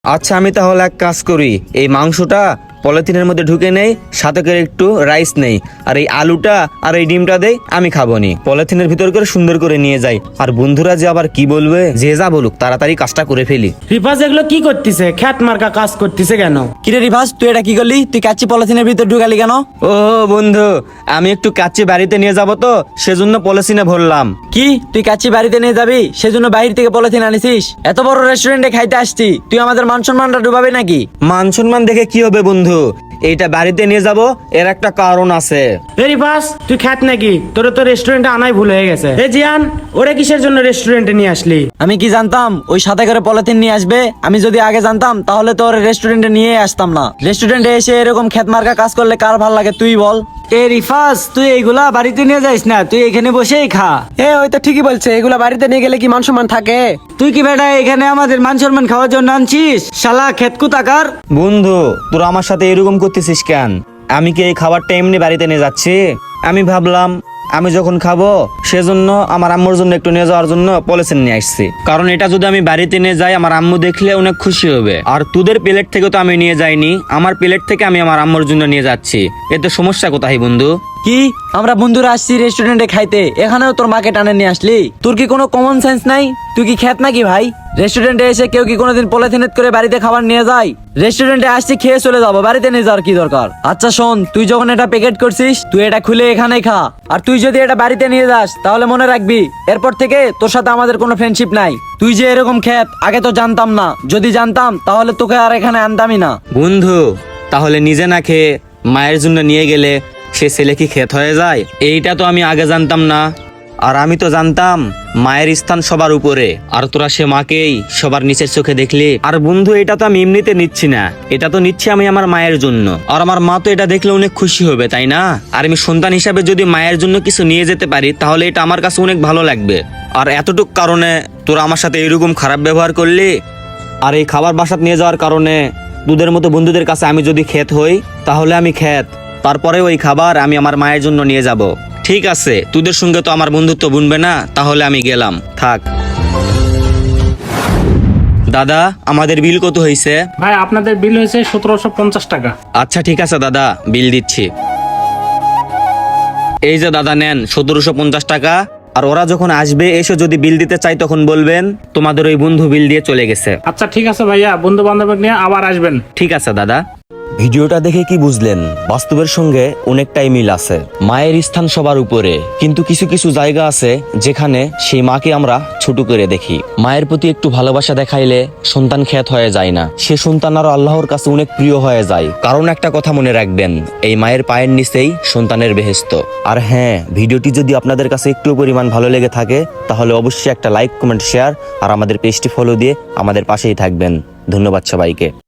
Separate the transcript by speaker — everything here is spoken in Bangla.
Speaker 1: আচ্ছা আমি তাহলে এক কাজ করি, এই মাংসটা পলিথিনের মধ্যে ঢুকে নেই, সাথে করে একটু রাইস নেই, আর এই আলুটা আর এই ডিমটা দেই, আমি খাবো নি। পলিথিনের ভিতর করে সুন্দর করে নিয়ে যাই। আর বন্ধুরা যে আবার কি বলবে, যে যা বলুক তাড়াতাড়ি কাজটা করে ফেলি।
Speaker 2: রিফাজ এগুলো কি করতেছে? খ্যাত মার্কা কাজ করতেছে কেন?
Speaker 3: কিরে রিভাস, তুই এটা কি করলি? তুই কাচ্চি পলিথিনের ভিতর ঢুকালি কেন?
Speaker 1: ও বন্ধু, আমি একটু কাচ্চি বাড়িতে নিয়ে যাব তো, সেজন্য পলিথিনে ভরলাম।
Speaker 3: কি তুই কাচ্চি বাড়িতে নিয়ে যাবি, সেজন্য বাইরে থেকে পলিথিন আনিছিস? এত বড় রেস্টুরেন্টে খাইতে আসছি, তুই আমাদের মান সম্মানটা ডুবাবি নাকি?
Speaker 1: মান সম্মান দেখে কি হবে বন্ধু, এইটা বাড়িতে নিয়ে যাব, এর একটা কারণ আছে।
Speaker 2: এ রিফাজ, তুই খ্যাত নাকি? তোর তো রেস্টুরেন্টে আনাই ভুল হয়ে গেছে। এ জিয়ান, ওরে কিসের জন্য রেস্টুরেন্টে নিয়ে আসলি?
Speaker 3: আমি কি জানতাম ওই সাথে করে পলিথিন নিয়ে আসবে? আমি যদি আগে জানতাম তাহলে তো ওর রেস্টুরেন্টে নিয়ে আসতাম না। রেস্টুরেন্টে এসে এরকম খেত মার্কা কাজ করলে কার ভাল লাগে তুই বল?
Speaker 4: এ রিফাজ, তুই এইগুলা বাড়িতে নিয়ে যাইস না, তুই এখানে বসেই খা।
Speaker 5: ওই তো ঠিকই বলছে, এগুলা বাড়িতে নিয়ে গেলে কি মান সম্মান থাকে?
Speaker 4: তুই কি বেটা এখানে আমাদের মান সম্মান খাওয়ার জন্য আনছিস? শালা খেতকু তাকার।
Speaker 1: বন্ধু তোরা আমার সাথে এরকম করতেছিস কেন? আমি কি এই খাবারটা এমনি বাড়িতে নিয়ে যাচ্ছি? আমি ভাবলাম আমি যখন খাবো সেজন্য আমার আম্মুর জন্য একটু নিয়ে যাওয়ার জন্য পলিথিন নিয়ে আসছি। কারণ এটা যদি আমি বাড়িতে নিয়ে যাই, আমার আম্মু দেখলে অনেক খুশি হবে। আর তোদের প্লেট থেকে তো আমি নিয়ে যাইনি, আমার প্লেট থেকে আমি আমার আম্মুর জন্য নিয়ে যাচ্ছি। এতে সমস্যা কোথায় বন্ধু?
Speaker 3: কি আমরা বন্ধুরা আসছি রেস্টুরেন্টে খাইতে, এখানেও তোর মাকে টানে নিয়ে আসলি? তোর কি কোনো কমন সেন্স নাই? তুই কি খেত নাকি ভাই? রেস্টুরেন্টে এসে কেউ কি কোনোদিন পলিথিনেট করে বাড়িতে খাবার নিয়ে যায়? রেস্টুরেন্টে আসছি খেয়ে চলে যাবো, বাড়িতে নিয়ে যাওয়ার কি দরকার? আচ্ছা শোন, তুই যখন এটা প্যাকেট করছিস, তুই এটা খুলে এখানেই খা। আর তুই যদি এটা বাড়িতে নিয়ে যাস তাহলে মনে রাখবি, এরপর থেকে তোর সাথে আমাদের কোনো ফ্রেন্ডশিপ নাই। তুই যে এরকম খেত আগে তো জানতাম না, যদি জানতাম তাহলে তোকে আর এখানে আনতামই না।
Speaker 1: বন্ধু তাহলে নিজে না খেয়ে মায়ের জন্য নিয়ে গেলে সে ছেলে কি খেত হয়ে যায়? এইটা তো আমি আগে জানতাম না। আর আমি তো জানতাম মায়ের স্থান সবার উপরে, আর তোরা সে মাকেই সবার নিচের চোখে দেখলি। আর বন্ধু এটা তো আমি এমনিতে নিচ্ছি না, এটা তো নিচ্ছি আমি আমার মায়ের জন্য। আর আমার মা তো এটা দেখলে অনেক খুশি হবে, তাই না? আর আমি সন্তান হিসাবে যদি মায়ের জন্য কিছু নিয়ে যেতে পারি তাহলে এটা আমার কাছে অনেক ভালো লাগবে। আর এতটুক কারণে তোরা আমার সাথে এরকম খারাপ ব্যবহার করলি। আর এই খাবার বাসাত নিয়ে যাওয়ার কারণে তোদের মতো বন্ধুদের কাছে আমি যদি খেত হই তাহলে আমি খেত, তারপরে ওই খাবার আমি আমার মায়ের জন্য নিয়ে যাব। ঠিক আছে, তোদের সঙ্গে তো আমার বন্ধুত্ব বুনবে না, তাহলে আমি গেলাম, থাক। দাদা আমাদের বিল কত হয়েছে?
Speaker 2: ভাই আপনাদের বিল হয়েছে 1750 টাকা।
Speaker 1: আচ্ছা ঠিক আছে দাদা, বিল দিচ্ছি। এই যে দাদা নেন 1750 টাকা। আর ওরা যখন আসবে এসে যদি বিল দিতে চাই তখন বলবেন তোমাদের ওই বন্ধু বিল দিয়ে চলে গেছে।
Speaker 2: আচ্ছা ঠিক আছে ভাইয়া, বন্ধু বান্ধব নিয়ে আবার আসবেন।
Speaker 1: ঠিক আছে দাদা। ভিডিওটা দেখে কি বুঝলেন? বাস্তবের সঙ্গে অনেকটাই মিল আছে। মায়ের স্থান সবার উপরে, কিন্তু কিছু কিছু জায়গা আছে যেখানে সেই মাকে আমরা ছোট করে দেখি। মায়ের প্রতি একটু ভালোবাসা দেখাইলে সন্তান খ্যাত হয়ে যায় না, সে সন্তান আরো আল্লাহর কাছে অনেক প্রিয় হয়ে যায়। কারণ একটা কথা মনে রাখবেন, এই মায়ের পায়ের নিচেই সন্তানের বেহেশত। আর হ্যাঁ, ভিডিওটি যদি আপনাদের কাছে একটু পরিমাণ ভালো লেগে থাকে তাহলে অবশ্যই একটা লাইক, কমেন্ট, শেয়ার আর আমাদের পেজটি ফলো দিয়ে আমাদের পাশেই থাকবেন। ধন্যবাদ সবাইকে।